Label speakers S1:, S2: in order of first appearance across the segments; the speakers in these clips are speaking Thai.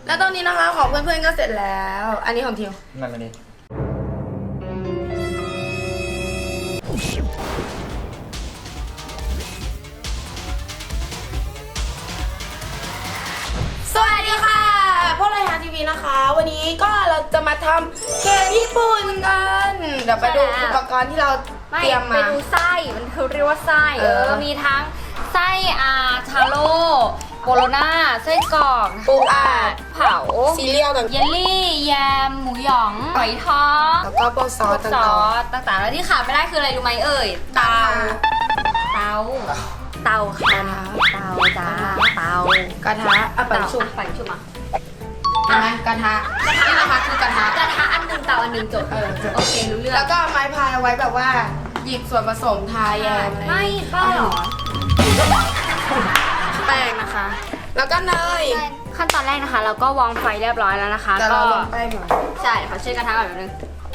S1: แล้วตอนนี้นะคะของเพื่อนๆก็เสร็จแล้ว อันนี้ของทิว
S2: นั่นมาดิ
S1: สวัสดีค่ะพวกเราฮาทีวีนะคะ วันนี้ก็เราจะมาทำเค้กญี่ปุ่นกันเดี๋ยวไปดูอุปกรณ์ที่เราเตรียมมา
S3: ไปดูไส้มันคือเรียกว่าไส้มีทั้งไส้ทาโร่โบโลน่าไส้กรอก
S1: ปูอัด
S3: เผา
S1: ซีเรียลต่าง
S3: เยลลี่แยมหมูหยองหอยทอง
S1: ๆแล้วก็พวกซอส
S3: ซอ
S1: ต่าง
S3: สต่างๆแล้วที่ขาดไม่ได้คืออะไรรู้ไหมเอ่ย
S1: ๆเตา
S3: เตาค่ะเตาจ้าก
S1: ระทะอ่ะปั่นชุบ
S3: ปั่นชุบอ่ะ
S1: ใช่ไหมกระทะนี่นะคะคือกระทะ
S3: กระทะอันหนึ่งเตาอันหนึ่งจบโอเครู้เรื่อง
S1: แล้วก็ไม้พายเอาไว้แบบว่าหยิบส่วนผสมทาแยมอะไร
S3: ไม่บ้าหรอ
S1: แป้งนะคะ แล้วก็เนย
S3: ขั้นตอนแรกนะคะ เราก็วางไฟเรียบร้อยแล้วนะคะ
S1: แต่เราลงแป้งหน่อย
S3: ใช่ขอเช็ดกระทะก่อนแป๊บนึง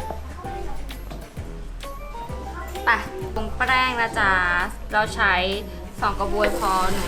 S3: ไปปรุงแป้งนะจ๊ะเราใช้2 กระบวยพอหนู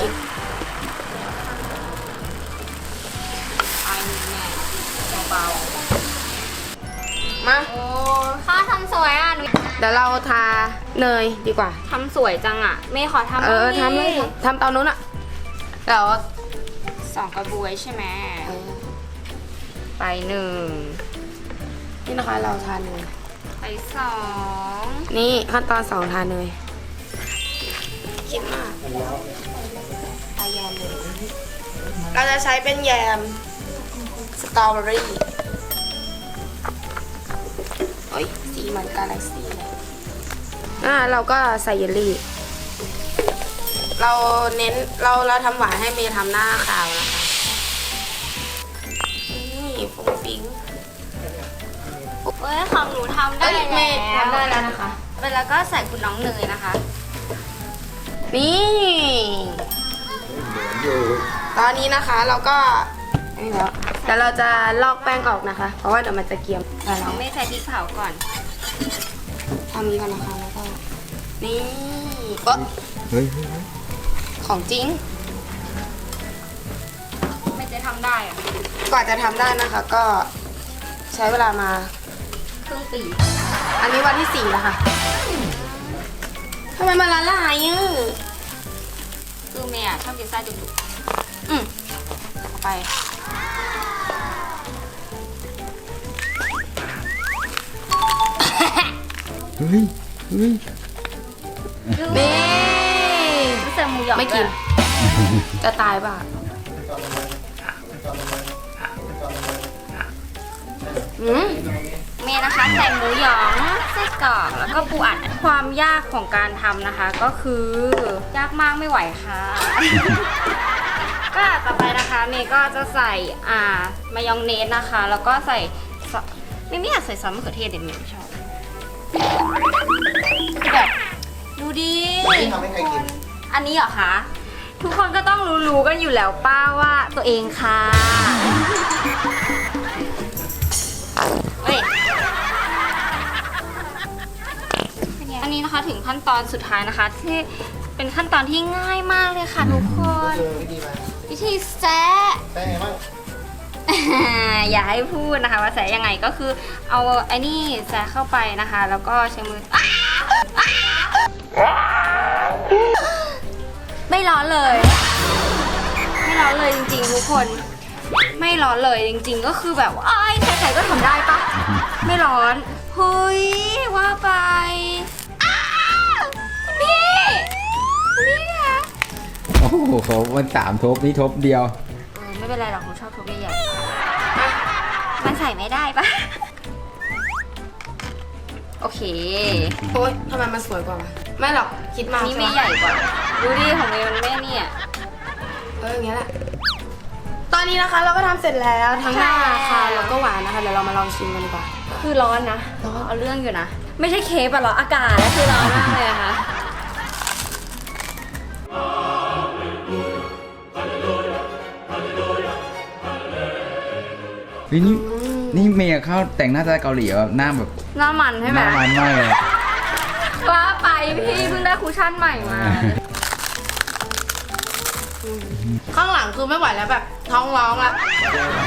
S3: ไอ้เนี่ยเบา
S1: มา
S3: ๆโอ้ข้าทำสวยอ่ะหนู
S1: เดี๋ยวเราทาเนยดีกว่า
S3: ทำสวยจังอ่ะเมย์ขอทำ
S1: ทำเลยทำเตานู้นอะเดี๋ยว
S3: 2 กระบวยใช่ไหมไป1
S1: นี่นะคะเราทาเนย
S3: ไป2
S1: นี่ขั้นตอน2ทาเนยคิดมากทาแยมเลยเราจะใช้เป็นแยมสตรอเบอรี่โอ้ยสีเหมือนกาแล็กซี่เลยเราก็ใส่เยลลี่ เราเน้นเราทำหวานให้เมย์ทำหน้าขาวนะคะนี่ฟุ้งฟิ้ง
S3: เอ้ยของหนูทำได้
S1: เมย์ทำได้แล้วนะคะ
S3: ไปแล้วก็ใส่คุณน้องเนยนะคะ
S1: นี่ตอนนี้นะคะเราก็นี่แล้วแต่เราจะลอกแป้งออกนะคะ เพราะว่าเดี๋ยวมันจะเกรียมแต่
S3: น้
S1: เรา
S3: องไม่ใส่พริกเผาก่อน
S1: ทำนี้ก่อนนะคะแล้วก็นี่ก็
S2: เฮ้ย
S1: ของจริง
S3: ไม่จะทำได้อะ
S1: กว่าจะทำได้นะคะ ก็ใช้เวลามา
S3: ครึ่งปี
S1: อันนี้วันที่4แล้วค่ะทำไมมันละลายอ่ะ
S3: คือเมย์อะชอบกินไส้จุก
S1: เอาไป
S2: เฮ้ย
S3: ๆ
S1: นี่
S3: ไม่ใส่หมูหยอง
S1: ไม่กิน
S3: ด้วย
S1: จะตายป่ะ
S3: เมย์นะคะใส่หมูหยองไส้กรอกแล้วก็ปูอัดความยากของการทำนะคะ ก็คือยากมากไม่ไหวค่ะ ก็ต่อไปนะคะเมย์ก็จะใส่มายองเนสนะคะ แล้วก็ใส่ซอสไม่อยากใส่ซอสมะเขือเทศเด็ดเมย์ไม่ชอบแบบดูดิ
S2: ไม่ทำให้ใครกิน
S3: อันนี้เหรอคะทุกคนก็ต้องรู้กันอยู่แล้วป้าว่าตัวเองค่ะเฮ้ยอันนี้นะคะถึงขั้นตอนสุดท้ายนะคะ ที่เป็นขั้นตอนที่ง่ายมากเลยค่ะทุกคน วิธีแซะ
S2: แป้งไงบ้าง
S3: อย่าให้พูดนะคะว่าแซะยังไงก็คือเอาไอ้นี่แซะเข้าไปนะคะ แล้วก็ใช้มือไม่ร้อนเลย ไม่ร้อนเลยจริงๆทุกคน ไม่ร้อนเลยจริงๆก็คือแบบว่าใครๆก็ทำได้ปะไม่ร้อนเฮ้ยว่าไปคุณพี่คะ
S4: โอ้โหมัน3 ทบนี่ทบเดียว
S3: ไม่เป็นไรหรอกหนูชอบทุบใหญ่ๆมันใส่ไม่ได้ปะโอเค
S1: โอ๊ยทำไมมันสวยกว่าวะไม่หรอกคิดมาก
S3: นี่เมย์ใหญ่กว่า ดูดิของเมย์มันไม่เนี่ย
S1: อย่างเงี้ยแหละตอนนี้นะคะเราก็ทำเสร็จแล้วทั้งหน้า
S3: ใช่
S1: ค่ะแล้วก็หวานนะคะเดี๋ยวเรามาลองชิมกันดีกว่า
S3: คือร้อนนะ เอาเรื่องอยู่นะ ไม่ใช่เค้กอะหรออากาศคือร้อนมากเลยอะค่ะ
S4: เฮ้ยนี่เมย์เข้าแต่งหน้าสไตล์เกาหลีแบบหน้าแบบ
S3: หน้ามันใช่
S4: ห
S3: ไหม
S4: น้ามันมากเลย
S3: ว่าไปพี่เพิ่งได้คุชชั่นใหม่มา
S1: ข้างหลังคือไม่ไหวแล้วแบบท้องร้องละ
S4: อ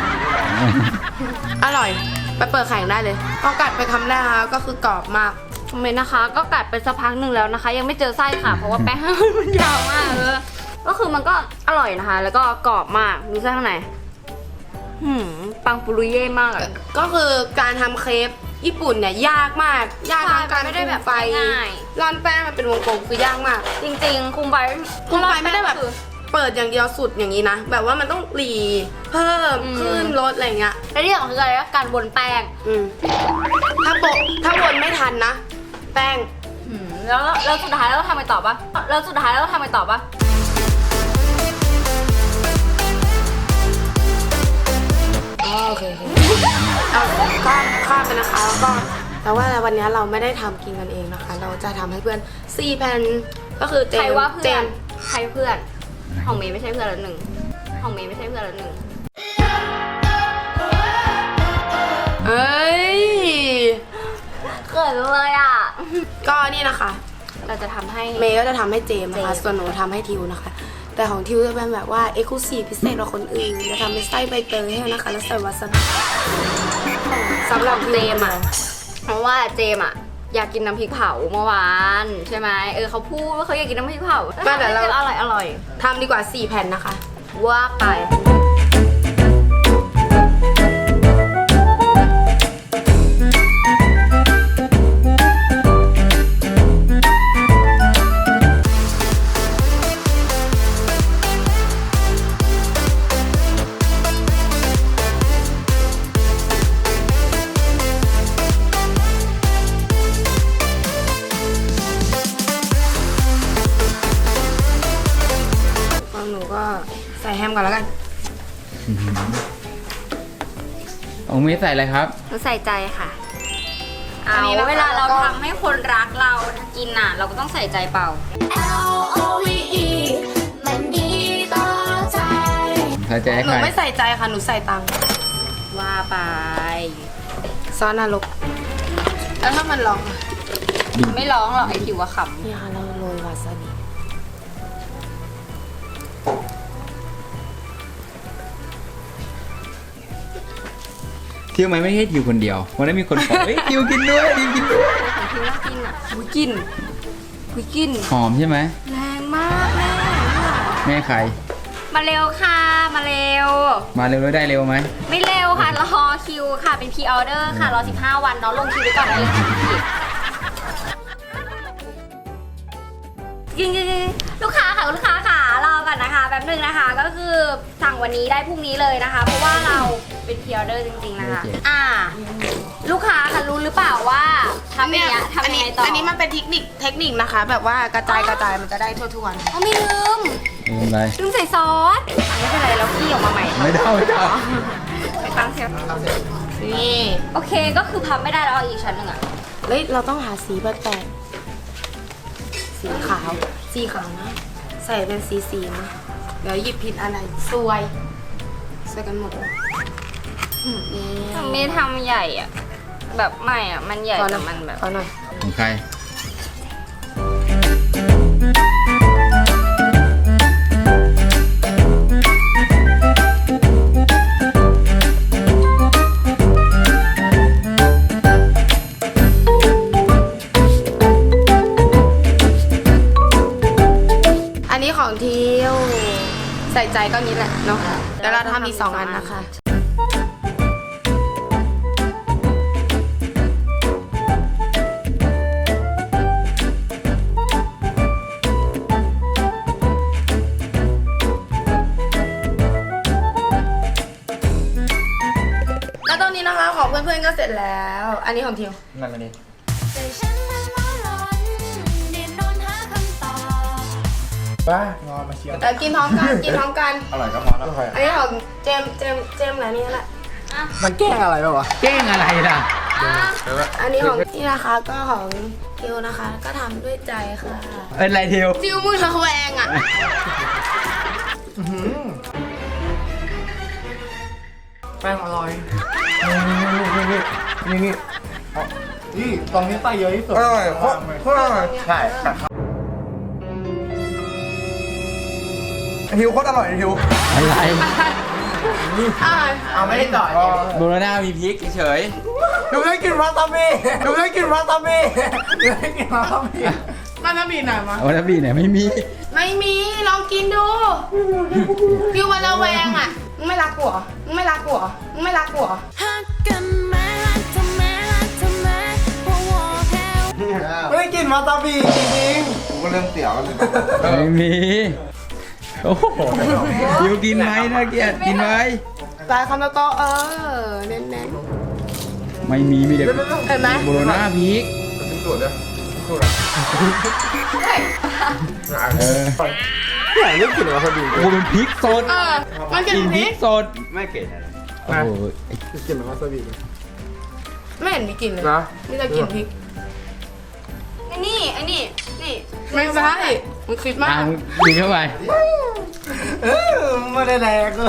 S1: อร่อย ไปเปิดแข่งได้เลยพอกัดไปคำแรกนะคะก็คือกรอบมาก
S3: เมนนะคะ ก็กัดไปสักพักหนึ่งแล้วนะคะ ยังไม่เจอไส้ค่ะ เพราะว่าแป้ง มันยาวมากเลยก็คือมันก็อร่อยนะคะ แล้วก็กรอบมากดูไส้ข้างในปังปุรุเย่มากอะ
S1: ก็คือการทำเครปญี่ปุ่นเนี่ยยากมาก ยากทั้งการ
S3: ไม่ได้แบบ
S1: คุมไฟ
S3: ง่าย
S1: ร่อนแป้งมันเป็นวงกลมคือยากมาก
S3: จริงๆคุมไฟ
S1: คุมไฟไม่ได้แบบเปิดอย่างเดียวสุดอย่างนี้นะ แบบว่ามันต้องหลีเพิ่มขึ้นลดอะไรเงี้ย
S3: และที่สำคัญคืออะไรนะการบนแป้ง
S1: ถ้าวนไม่ทันนะ แป้ง
S3: แล้วสุดท้ายเราทำไปต่อปะแล้วสุดท้ายเราทำไปต่อปะ
S1: โอเคเอาข้ามไปนะคะแล้วก็แต่ว่าวันนี้เราไม่ได้ทำกินกันเองนะคะ เราจะทำให้เพื่อน4 แผ่นก็คือเจ
S3: ใคร
S1: ม
S3: ว่า
S1: เจ
S3: เพื่อน
S1: ม
S3: ใครเพื่อนของเมย์ไม่ใช่เพื่อนละหนึ่งของเมย์ไม่ใช่เพื่อนละหนึ่ง
S1: เอ้ย
S3: เกิดเลยอ่ะ
S1: ก็นี่นะคะ
S3: เราจะทำให้
S1: เมย์ก็จะทำให้เจมนะคะ
S3: เจม
S1: ส่วนหนูทำให้ทิวนะคะ แต่ของทิวจะเป็นแบบว่าเอ็กซ์คลูซีฟพิเศษกว่าคนอื่นจะทำเป็นไส้ใบเตยให้นะคะแล้วใส่วาซาบิสำหรับเจมอ่ะ
S3: เพราะว่าเจมอ่ะอยากกินน้ำพริกเผาเมื่อวานใช่ไหมเขาพูดว่าเขาอยากกินน้ำพริกเผา
S1: ไม่แต่เรา
S3: อร่อย
S1: ทำดีกว่า4 แผ่นนะคะ
S3: ว่าไป
S1: ของหนูก็ใส่แฮมก่อนแล้วกัน
S4: องเมย์ใส่อะไรครับ
S3: เราใส่ใจค่ะ
S1: อัน
S3: เอา
S1: นี้นะคะ
S3: เวลาเรา
S1: แล้วก็
S3: ทำให้คนรักเรากินน่ะ เราก็ต้องใส่ใจเปล่า
S5: L-O-V-E มันดีต่อใจ
S4: ใส่ใจให้
S1: หนู
S4: ใคร
S1: ไม่ใส่ใจค่ะ หนูใส่ตังค์
S3: ว่าไป
S1: ซอสนรกแล้วถ้ามันร้องอะ
S3: ไม่ร้องหรอกไอทิวว่าข
S1: นี่ค่ะเราโรยวาซาบิ
S4: ทิวไหมไม่ใช่ทิวคนเดียววันนั้นมีคนบอกเฮ้ยทิวกินด้วยทิวกินด้วย
S3: ำของทิวน่ากินอ่ะ
S1: อุ้ยกินอุ้ยกิน
S4: หอมใช่ไหม
S1: แรงมากแม่
S4: แม่ใคร
S3: มาเร็วค่ะ มาเร็ว
S4: มาเร็วได้เร็วไหม
S3: ไม่เร็วค่ะ รอคิวค่ะ เป็นพรีออเดอร์ค่ะ รอ 15 วันน้องลงคิวไว้ก่อนได้เลยค่ะจริงๆลูกค้าค่ะลูกค้าค่ะรอก่อนนะคะแป๊บนึงนะคะ ก็คือสั่งวันนี้ได้พรุ่งนี้เลยนะคะ เพราะว่าเราเป็นพรีออเดอร์จริงๆนะคะ ลูกค้าค่ะรู้หรือเปล่าว่าทำอย่างเงี้ยทำยังไงต่อ
S1: อันนี้มันเป็นเทคนิคนะคะ แบบว่ากระจายมันจะได้ทั่วๆนะ
S3: เขาไม่ลืม
S4: อะไร
S3: ลืมใส่ซอสไม่เป็นไรเราขี้ออกมาใหม่
S4: ไม่ได้ไม่ได้
S3: ไปตั้งเชฟ
S1: นี่
S3: โอเคก็คือพับไม่ได้แล้วเอาอีกชั้นหนึ่งอะ
S1: เฮ้ยเราต้องหาสีแปลกๆสีขาวนะ ใส่เป็นสีนะเดี๋ยวหยิบผิดอะไรซวยใส่กันหมดเลยนี่
S3: ไม่ทำใหญ่อะแบบไม่อะมันใหญ่แต่มันแบบ
S1: เอาหน่อย
S4: ของใคร
S1: อันนี้ของทิวใส่ใจก็นี้แหละเนาะเดี๋ยวเราทำอีก2 อันนะคะ แล้วตรงนี้นะคะของเพื่อนๆก็เสร็จแล้ว อันนี้ของทิว
S4: นั่นมาดิ
S5: ใจฉันมันร้อนดิ้นรนหาคำตอบ
S2: บ้างอมาเชียร์
S1: แต่กินพร้อมกัน กินพร้อมกัน
S2: อร่อยก็พอแล้ว
S1: อันนี้ของเจมส์อะไรนี่แหละ
S2: มันแกล้งอะไรป่าวะ
S4: แกล้งอะไรล่ะ
S1: อันนี้ของนี่นะคะก็ของทิวนะคะ ก็ทำด้วยใจค่ะ
S4: เป็นไรทิว
S1: ทิวมือระแวงอ่ะ
S2: แป้งอร่อยนี่อ๋อนี่ตรงนี้ไส้เยอะที่สุดอร่อยโคตรอร่อยใช่ฮิวโคตรอร่อยฮิว
S4: อะไร
S2: เอาไม่ได้ต่อย
S4: โบโลน่ามีพริกเฉย
S2: หนูได้กินวาซาบิหนูได้กินวาซาบิหนูได้กินวาซาบิ
S1: มาน้ำบีหน่อยมา
S4: ๆวาซาบิเนี่ยไม่มี
S1: ไม่มีลองกินดูฟิวมันระแวงอ่ะมึงไม่รักกูเหรอมึงไม่รักกูเหรอมึงไม่รักกูเหรอ
S5: ฮักกันแม่ฮักทำแม่ฮักทำแม่เพราะว่าแพ้
S2: ไม่ได้กินวาซาบิจริงๆกูก็เริ่มเสียวแล้ว
S4: ไม่มีโอ้โหทิวกินไหมน่าเกลียดกินไหม
S1: ตายคำโตๆเน้น
S4: ไม่มีมีแต่
S1: ๆเห็นไหม
S4: โบโลน่าพริก
S2: เป็นตัวเด้อ
S4: เออ
S2: ไหนเรื่องกินวาซาบิ
S4: โอ้เป็นพริกสด
S1: มันกิน
S4: กิน
S1: พ
S4: พ
S1: ริ
S4: ริ
S1: ก
S4: กสดไม่เกลียดโอ้โห
S2: กินวาซาบิ
S1: ไม่เห็นมีกลิ่นเลย
S2: นะ
S1: มีแต่กลิ่นพริก
S3: ไอ้นี่นี่
S1: ไม่ใช่มึงคิดมา
S4: อ่ะ
S1: ก
S4: มึงกินเข้าไป
S2: ไม่ได้แดกเลย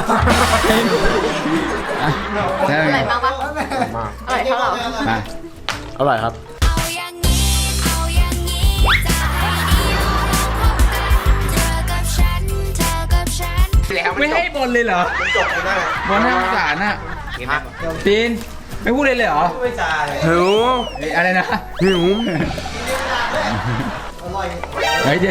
S4: ใช่
S3: อ
S4: ไหม
S3: ร่อยมากปะ
S1: อร่อยเท่าเรา
S4: มา
S2: อร่อยครับ
S5: เอาอย่างนี้เอาอย่างนี้จะให้ดีลองคบกันเธอกับฉันเธอกับฉัน
S4: ไม่ให้บนเลยเหรอ
S2: จบไม่ได้
S4: บนให้สงสารน่ะตีนไม่พูดเลยเหรอ
S2: ไม่จ่าย
S4: หิวอะไรนะ
S2: หิว
S4: เฮ้ยเดี๋ยว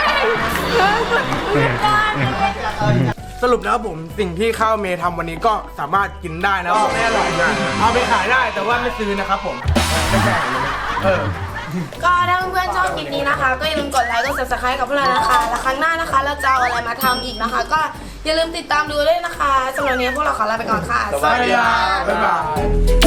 S2: สรุปแล้วผมสิ่งที่ข้าวเมย์ทำวันนี้ก็สามารถกินได้นะไม่อร่อยนะเอาไปขายได้แต่ว่าไม่ซื้อนะครับผมไม่ใช่
S1: ก็ถ้าเพื่อนๆชอบคลิปนี้นะคะ ก็อย่าลืมกดไลค์กด subscribe กับพวกเรานะคะ แล้วครั้งหน้านะคะ เราจะเอาอะไรมาทำอีกนะคะ ก็อย่าลืมติดตามดูด้วยนะคะสำหรับวันนี้พวกเราขอลาไปก่อนค่ะ
S2: สวัสดีครับบ๊ายบาย